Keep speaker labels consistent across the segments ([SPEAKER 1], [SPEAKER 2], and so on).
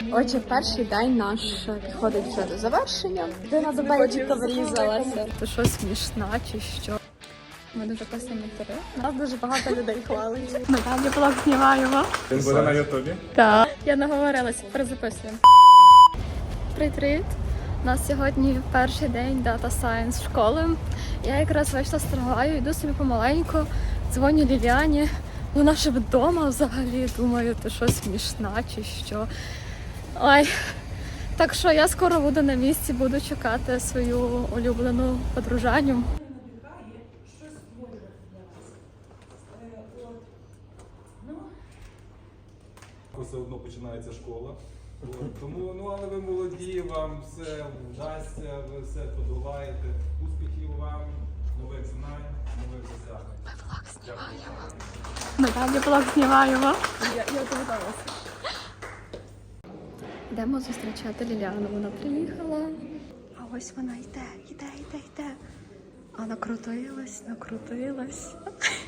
[SPEAKER 1] Отже, перший день наш підходить вже до завершення. Дина до бейджика врізалася. Ти що, смішна чи що? Ми дуже класні ментори. Нас дуже багато людей хвалить. Ми там блог знімаємо.
[SPEAKER 2] Він буде на ютубі?
[SPEAKER 1] Так. Я наговорилася, перезаписуємо. Привіт! У нас сьогодні перший день Data Science школи. Я якраз вийшла з трамваю, йду собі помаленьку, дзвоню Ліліані. Вона ще вдома взагалі, думаю, ти що, смішна чи що. Ой, так що я скоро буду на місці, буду чекати свою улюблену подружаню.
[SPEAKER 2] Все одно починається школа. Тому, але ви молоді, вам все вдасться, ви все подолаєте. Успіхів вам, нових знань, нових досягнень.
[SPEAKER 1] Ми влог знімаємо. Ми далі влог знімаємо. Я готувалася. Йдемо зустрічати Ліляну. Вона приїхала. А ось вона йде. А накрутилась.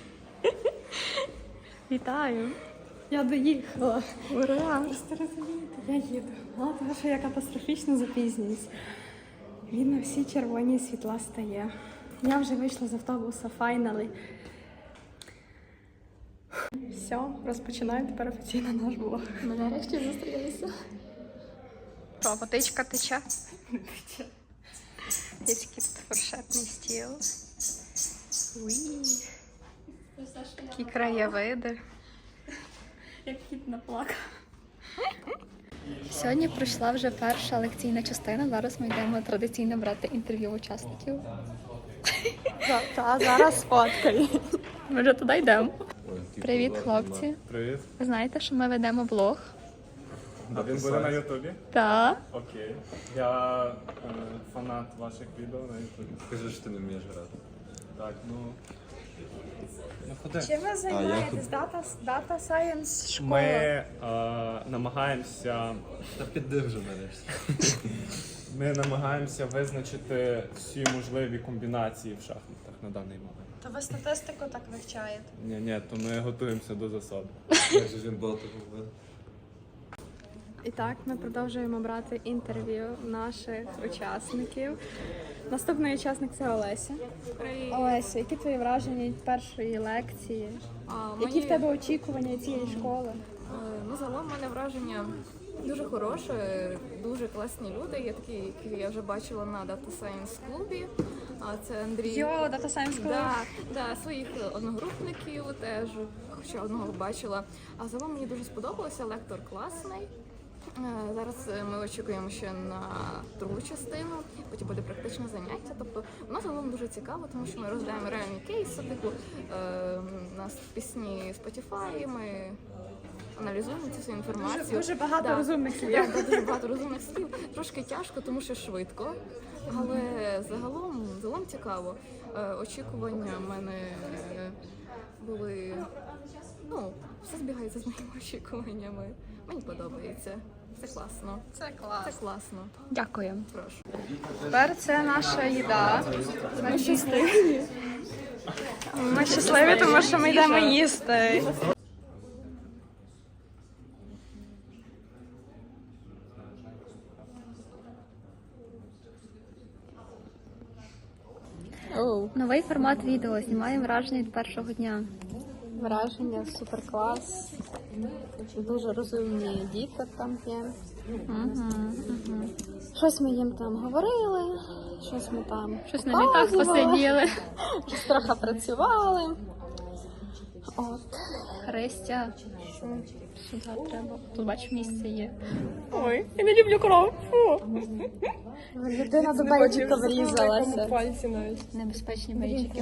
[SPEAKER 1] Вітаю. Я доїхала. Ура! Просто розумієте, я їду. Мало того, що я катастрофічно запізнююсь. Він на всі червоні світла стає. Я вже вийшла з автобуса, файнали. Все, розпочинаю тепер офіційно наш блог. Ми нарешті зустрілися.
[SPEAKER 3] О, водичка тече. Є такий фуршетний стіл. Такі краєвиди.
[SPEAKER 1] Як кіт наплакав. Сьогодні пройшла вже перша лекційна частина. Зараз ми йдемо традиційно брати інтерв'ю учасників. Зараз фоткаю. Ми вже туди йдемо. Привіт, хлопці.
[SPEAKER 2] Привіт.
[SPEAKER 1] Ви знаєте, що ми ведемо блог?
[SPEAKER 2] А він буде на ютубі?
[SPEAKER 1] Так.
[SPEAKER 2] Окей. Я фанат ваших відео на ютубі.
[SPEAKER 4] Скажи, що ти не вмієш грати.
[SPEAKER 2] Так, ну ходи.
[SPEAKER 3] Чим ви займаєтесь? Data Science школа?
[SPEAKER 2] Ми намагаємося...
[SPEAKER 4] Та піди вже нарешті.
[SPEAKER 2] Ми намагаємося визначити всі можливі комбінації в шахматах на даний момент.
[SPEAKER 3] То ви статистику так вивчаєте?
[SPEAKER 2] Ні, то ми готуємося до засади.
[SPEAKER 4] Як же ж він багато говорив?
[SPEAKER 1] І так, ми продовжуємо брати інтерв'ю наших учасників. Наступний учасник – це Олеся. Олеся, які твої враження від першої лекції? Які в тебе очікування від цієї школи?
[SPEAKER 5] Ну, загалом в мене враження дуже хороше, дуже класні люди. Є такі, які я вже бачила на Data Science клубі. А це Андрій.
[SPEAKER 3] Data Science Club.
[SPEAKER 5] Да, своїх одногрупників теж, ще одного бачила. А загалом мені дуже сподобалося, лектор класний. Зараз ми очікуємо ще на другу частину, потім буде практичне заняття. Тобто воно загалом дуже цікаво, тому що ми розглядаємо реальні кейси, типу у нас пісні Spotify, ми аналізуємо цю всю інформацію.
[SPEAKER 3] Дуже багато розумних слів.
[SPEAKER 5] Дуже багато розумних слів. Трошки тяжко, тому що швидко, але загалом цікаво. Очікування в мене були, все збігається з моїми очікуваннями. Мені подобається. Це класно.
[SPEAKER 3] Це клас.
[SPEAKER 5] Це класно.
[SPEAKER 1] Дякую.
[SPEAKER 5] Прошу.
[SPEAKER 3] Тепер це наша їда. Ми щасливі. Ми щасливі, тому що ми йдемо їсти.
[SPEAKER 1] Новий формат відео. Знімаємо враження від першого дня.
[SPEAKER 6] Враження, супер клас. Дуже розумні діти там є. Щось ми їм там говорили, щось ми там
[SPEAKER 1] Щось на літах
[SPEAKER 6] показували,
[SPEAKER 1] посиділи.
[SPEAKER 6] щось трохи працювали. От.
[SPEAKER 1] Христя. Сюди треба. Тут бачиш, місце є. Ой, я не люблю кров. Фу.
[SPEAKER 6] Людина до бейджика врізалася.
[SPEAKER 1] Небезпечні бейджики.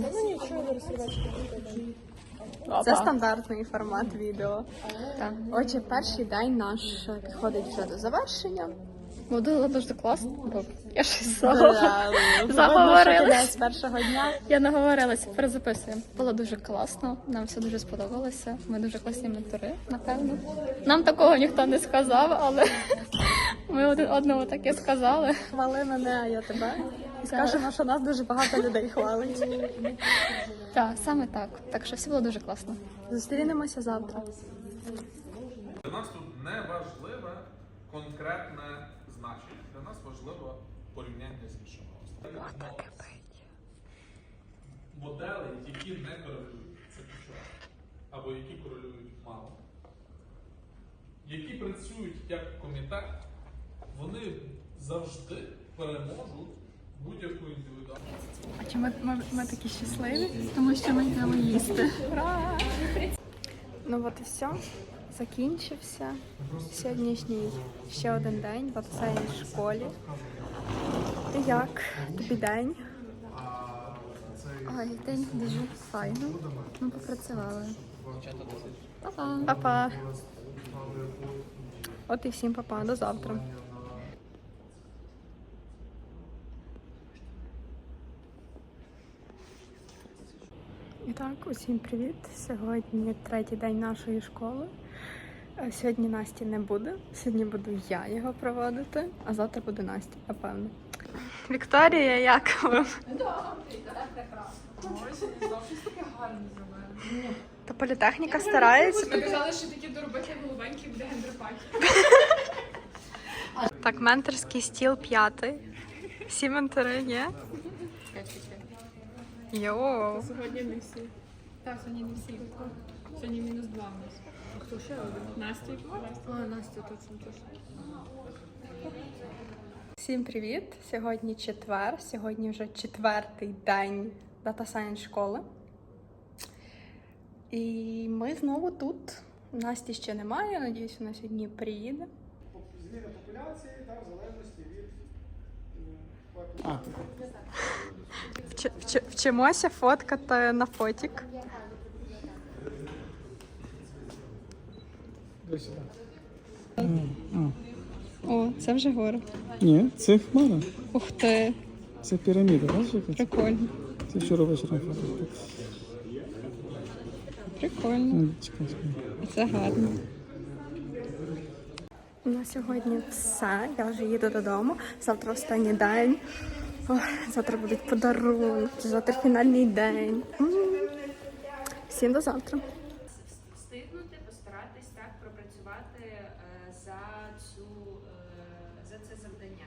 [SPEAKER 6] Це стандартний формат відео.
[SPEAKER 1] Так.
[SPEAKER 6] Отже, перший день наш підходить вже до завершення.
[SPEAKER 1] Було дуже класно, бо я щось
[SPEAKER 6] Заговорилась з першого дня.
[SPEAKER 1] Я наговорилася, перезаписуємо. Було дуже класно, нам все дуже сподобалося. Ми дуже класні ментори, напевно. Нам такого ніхто не сказав, але ми один одному таке сказали.
[SPEAKER 6] Хвали мене, а я тебе. І скажемо, що нас дуже багато людей хвалить.
[SPEAKER 1] Так, саме так. Так що все було дуже класно.
[SPEAKER 6] Зустрінемося завтра.
[SPEAKER 7] Для нас тут не важливе конкретне значення. Для нас важливо порівняння з іншими островами. Моделі, які не корелюють, це ключове. Або які корелюють мало. Які працюють як комітет, вони завжди переможуть будь-яку індивідуальність.
[SPEAKER 3] А чому ми такі щасливі?
[SPEAKER 1] Тому що ми йдемо їсти.
[SPEAKER 3] Ну от і все. Закінчився сьогоднішній ще один день в Дата-Сайенс школі. І як тобі день?
[SPEAKER 1] Ой, день дуже файно. Ми попрацювали. Па-па.
[SPEAKER 3] Па-па. От і всім па-па. До завтра. І так, усім привіт. Сьогодні третій день нашої школи. Сьогодні Насті не буде. Сьогодні буду я його проводити, а завтра буде Настя, напевно. Вікторія, як вам? Та політехніка старається.
[SPEAKER 6] Ми казали, що такі доробити голубенькі буде гендерпаті.
[SPEAKER 3] Так, менторський стіл 5. Всі ментори є? Йоу.
[SPEAKER 6] Сьогодні не всі. Так, сьогодні не всі. Сьогодні -2 у нас. А хто ще один? Настя. Настя, точно.
[SPEAKER 3] Всім привіт! Сьогодні четвер, сьогодні вже 4-й день Дата-Сайенс школи. І ми знову тут. Насті ще немає, надіюсь, вона сьогодні приїде.
[SPEAKER 8] Зміни популяції, так, в залежності від
[SPEAKER 3] Вчимося фоткати на фотік. О, це вже гора.
[SPEAKER 8] Ні, це хмара.
[SPEAKER 3] Ух ти,
[SPEAKER 8] Це піраміда, бачиш? яка це?
[SPEAKER 3] прикольно.
[SPEAKER 8] Це вчора вечором фото.
[SPEAKER 3] Прикольно.
[SPEAKER 8] Чекай.
[SPEAKER 3] Це гарно. На сьогодні все. Я вже їду додому. Завтра останній день. Ох, завтра будуть подарунки, завтра фінальний день. Всім до завтра.
[SPEAKER 9] Встигнути, постаратись так пропрацювати за це завдання.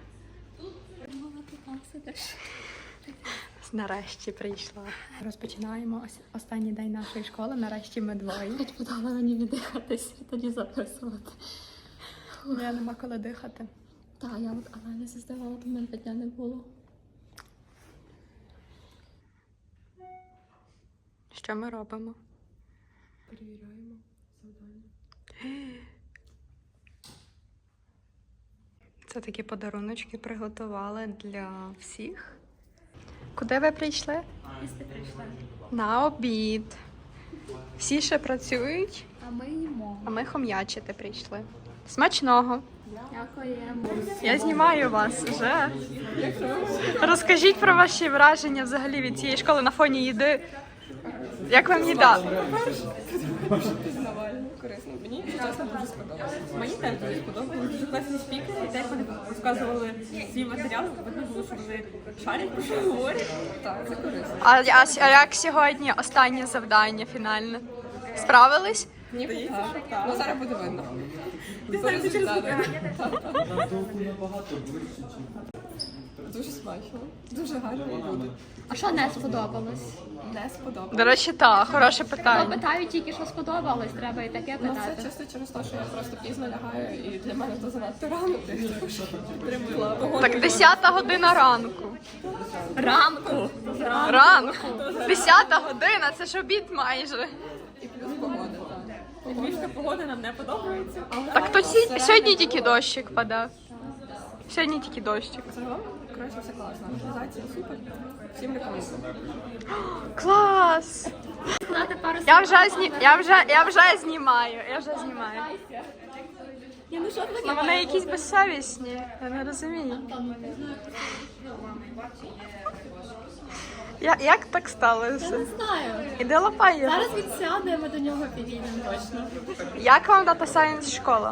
[SPEAKER 3] Нарешті прийшла. Розпочинаємо останній день нашої школи. Нарешті ми двоє.
[SPEAKER 1] Подала мені віддихатися, тоді записувати.
[SPEAKER 3] Я нема коли дихати.
[SPEAKER 1] Так, я от аналізи здавала, то в мене дня не було.
[SPEAKER 3] Що ми робимо?
[SPEAKER 6] Перевіряємо завдання.
[SPEAKER 3] Це такі подаруночки приготували для всіх. Куди ви прийшли?
[SPEAKER 1] Їсти прийшла.
[SPEAKER 3] На обід. Всі ще працюють,
[SPEAKER 1] А ми їмо.
[SPEAKER 3] а ми хом'ячити прийшли. Смачного!
[SPEAKER 1] Дякуємо.
[SPEAKER 3] Я знімаю вас вже. Розкажіть про ваші враження взагалі від цієї школи на фоні їди. Як вам їда?
[SPEAKER 6] Пізнавально, корисно. Мені чесно дуже сподобалося. Мені теж дуже сподобалося. Дуже класні спікери. І те, як вони розказували свій матеріал, видно було, що вони шарять, про що говорять. Так, це корисно.
[SPEAKER 3] А як сьогодні останнє завдання фінальне? Справились?
[SPEAKER 6] Ні, так. Ну, зараз буде видно. Ти знаєш, що дуже смачно, дуже гарні люди.
[SPEAKER 1] А що не сподобалось?
[SPEAKER 6] Не сподобалося.
[SPEAKER 3] До речі, так, хороше
[SPEAKER 1] Ну,
[SPEAKER 3] питання.
[SPEAKER 1] питають тільки, що сподобалось, треба і таке
[SPEAKER 6] Ну,
[SPEAKER 1] питати.
[SPEAKER 6] це чисто через те, що я просто пізно лягаю, і для мене то занадто рано. Підтримую погоду.
[SPEAKER 3] Так 10 година ранку.
[SPEAKER 1] Ранку!
[SPEAKER 3] Ранку. 10 година, це ж обід майже.
[SPEAKER 6] І плюс погода, так. Львівська погода нам не подобається, але
[SPEAKER 3] Так то сьогодні тільки дощик падав. Сьогодні тільки дощик.
[SPEAKER 6] загалом, коротше, все класно. Організація супер. Всім рекомендую.
[SPEAKER 3] Клас!
[SPEAKER 1] Сказати пару
[SPEAKER 3] Я вже знімаю. Ну, вони якісь безсовісні. Я не розумію. Як так сталося?
[SPEAKER 1] знаю.
[SPEAKER 3] Іди лапай його.
[SPEAKER 1] Зараз він сяде, ми до нього підійдемо точно.
[SPEAKER 3] Як вам Дата-Сайенс школа?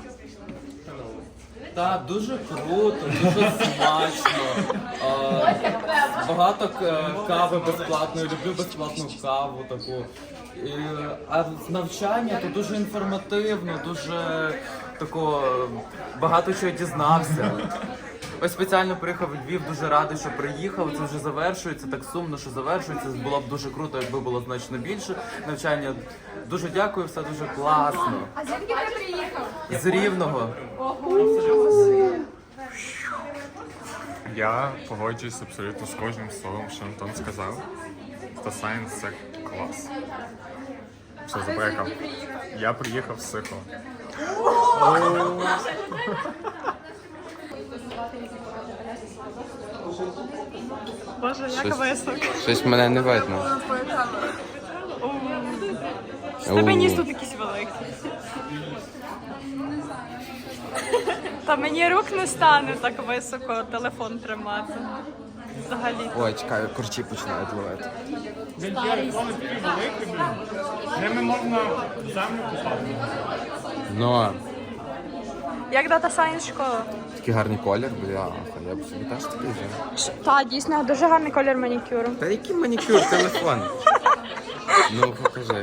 [SPEAKER 4] Так, дуже круто, дуже смачно. Багато кави безплатної, люблю безплатну каву таку. А навчання то дуже інформативно, дуже такого багато чого дізнався. Ось спеціально приїхав у Львів, дуже радий, що приїхав. Це вже завершується, так сумно, що завершується. Було б дуже круто, якби було значно більше навчання. Дуже дякую, все дуже класно.
[SPEAKER 1] А звідки ти приїхав?
[SPEAKER 4] З Рівного.
[SPEAKER 10] Я погоджуюсь абсолютно з кожним словом, що Антон сказав. Та Science – це клас. Все, забрехав. Я приїхав з Сихова.
[SPEAKER 3] Боже, як високо.
[SPEAKER 4] Щось мене не видно.
[SPEAKER 3] З тебе ніс тут якийсь великий. Та мені рук не стане так високо телефон тримати. Взагалі.
[SPEAKER 4] Ой, чекай, корчі починають ловити.
[SPEAKER 8] Ними можна землю купати.
[SPEAKER 4] Ну,
[SPEAKER 3] Як Data Science школа?
[SPEAKER 4] такий гарний колір, бляха, я б собі теж такий взяв.
[SPEAKER 3] Та, дійсно, дуже гарний колір манікюру.
[SPEAKER 4] Та який манікюр, телефон? Ну, покажи.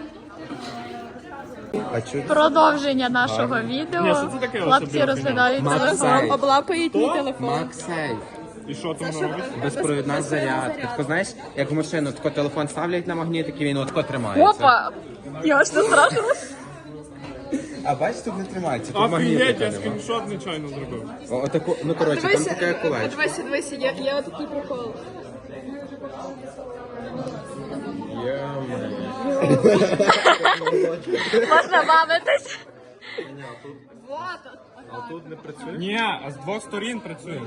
[SPEAKER 4] А чого?
[SPEAKER 1] Продовження нашого відео. Хлопці розглядають телефон.
[SPEAKER 3] Облапають мій телефон.
[SPEAKER 4] Максей.
[SPEAKER 8] І що там робиш?
[SPEAKER 4] Безпровідна зарядка. Тако, знаєш, як в машину, тако телефон ставлять на магнітик і він отако тримається.
[SPEAKER 1] Опа! Я ж не страшно.
[SPEAKER 4] А бачиш, тут не тримається, тут магнітика
[SPEAKER 8] я
[SPEAKER 4] нема.
[SPEAKER 8] скріншот нечайно зробив.
[SPEAKER 4] Отако, ну коротше, там таке колечко.
[SPEAKER 3] Дивися, є отакий прикол.
[SPEAKER 1] Можна бавитись.
[SPEAKER 4] А тут не працює?
[SPEAKER 8] Ні, а з двох сторін працює.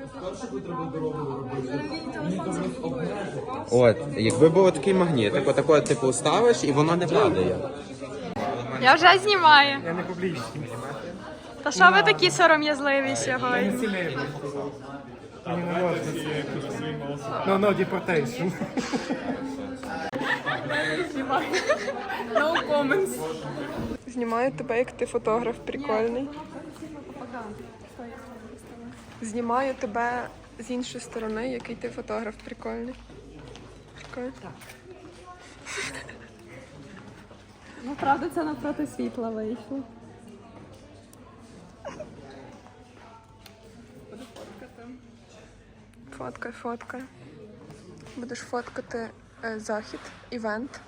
[SPEAKER 4] От, якби був такий магнітик, отако типу ставиш і воно не падає.
[SPEAKER 3] Я вже знімаю. Я не публічний. Та що ви такі сором'язливі сьогодні?
[SPEAKER 8] No, deportation.
[SPEAKER 3] No comments. Знімаю тебе, як ти фотограф прикольний. Знімаю тебе з іншої сторони, який ти фотограф прикольний. Прикольно. Ну, правда, це навпроти світла вийшло. Фоткай, фоткай. Будеш фоткати захід, івент.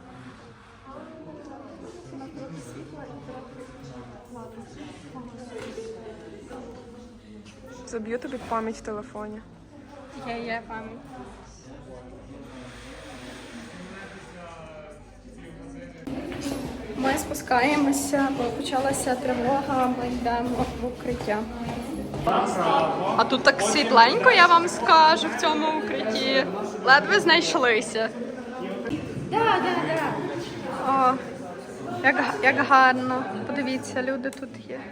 [SPEAKER 3] Заб'ю тобі пам'ять в телефоні. Є пам'ять. Ми спускаємося, бо почалася тривога, ми йдемо в укриття. А тут так світленько, я вам скажу, в цьому укритті. Ледве знайшлися. О, як гарно. Подивіться, люди тут є.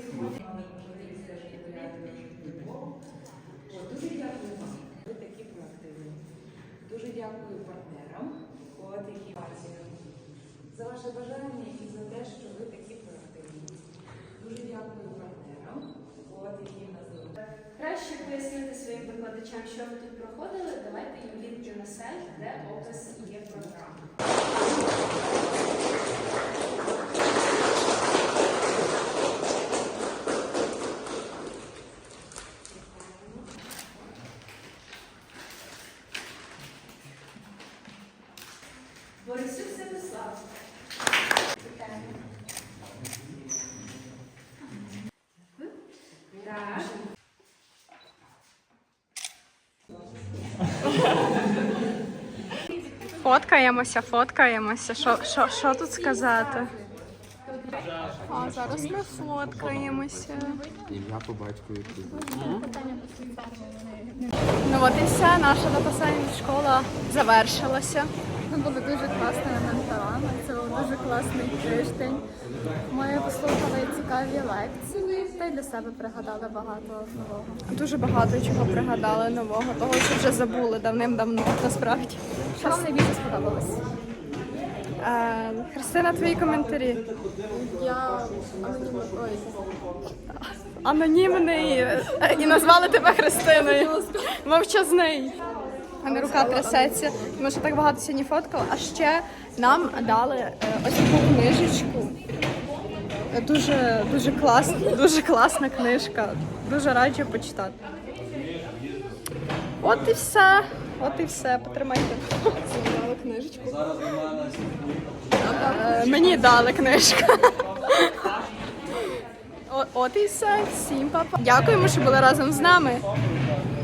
[SPEAKER 9] Дуже дякую партнерам, які за ваше бажання і за те, що ви такі проактивні. Дуже дякую партнерам, які нас залишили. Краще пояснити своїм викладачам, що ви тут проходили. Давайте їм лінки на сайт, де опис є програми. Борисюк Святослав. Так.
[SPEAKER 3] Фоткаємося. Що тут сказати? А зараз ми фоткаємося.
[SPEAKER 4] Ім'я по батькові.
[SPEAKER 3] Ну от і все, наша Data Science школа завершилася.
[SPEAKER 1] Ми були дуже класними менторами, це був дуже класний тиждень. Ми послухали цікаві лекції та й для себе пригадали багато нового.
[SPEAKER 3] Дуже багато чого пригадали нового, того, що вже забули давним-давно, насправді.
[SPEAKER 1] Що вам найбільше сподобалось?
[SPEAKER 3] Христина, твої коментарі.
[SPEAKER 1] Я
[SPEAKER 3] Анонімний і назвали тебе Христиною. Мовчазний. У мене рука трясеться, тому що так багато сьогодні фоткала. А ще нам дали ось таку книжечку. Дуже класна книжка. Дуже раджу почитати. От і все. Потримайте. Дали книжечку. Мені дали книжку. От і все. Всім па-па. Дякуємо, що були разом з нами.